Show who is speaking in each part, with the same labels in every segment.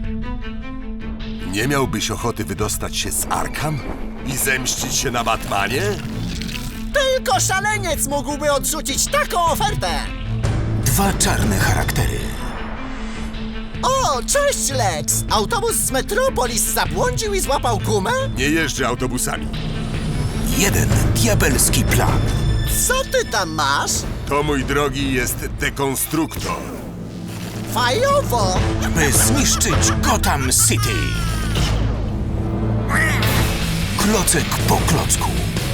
Speaker 1: Nie miałbyś ochoty wydostać się z Arkham i zemścić się na Batmanie?
Speaker 2: Tylko szaleniec mógłby odrzucić taką ofertę!
Speaker 3: Dwa czarne charaktery.
Speaker 2: O, cześć Lex! Autobus z Metropolis zabłądził i złapał gumę?
Speaker 1: Nie jeżdżę autobusami.
Speaker 3: Jeden diabelski plan.
Speaker 2: Co ty tam masz?
Speaker 1: To, mój drogi, jest dekonstruktor.
Speaker 2: Fajowo!
Speaker 3: By zniszczyć Gotham City. Klocek po klocku.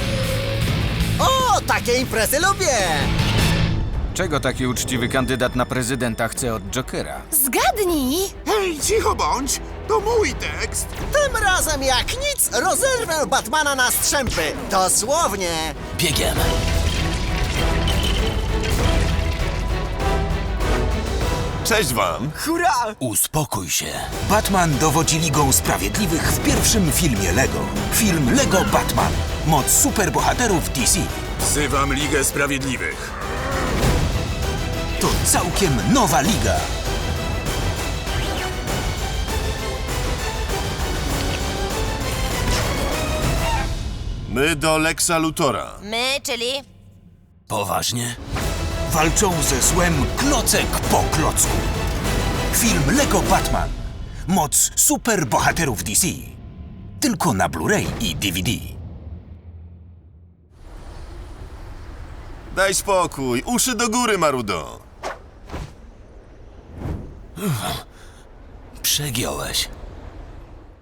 Speaker 2: O, takie imprezy lubię!
Speaker 4: Czego taki uczciwy kandydat na prezydenta chce od Jokera?
Speaker 5: Zgadnij!
Speaker 6: Hej, cicho bądź! To mój tekst!
Speaker 2: Tym razem jak nic rozerwę Batmana na strzępy. Dosłownie.
Speaker 3: Biegiem.
Speaker 1: Cześć wam.
Speaker 2: Hurra!
Speaker 3: Uspokój się. Batman dowodzi Ligą Sprawiedliwych w pierwszym filmie Lego. Film Lego Batman. Moc superbohaterów DC.
Speaker 6: Wzywam Ligę Sprawiedliwych.
Speaker 3: To całkiem nowa liga.
Speaker 1: My do Lexa Luthora.
Speaker 5: My, czyli...
Speaker 3: Poważnie? Walczą ze złem klocek po klocku. Film Lego Batman. Moc superbohaterów DC. Tylko na Blu-ray i DVD.
Speaker 1: Daj spokój. Uszy do góry, Marudo.
Speaker 3: Przegiąłeś.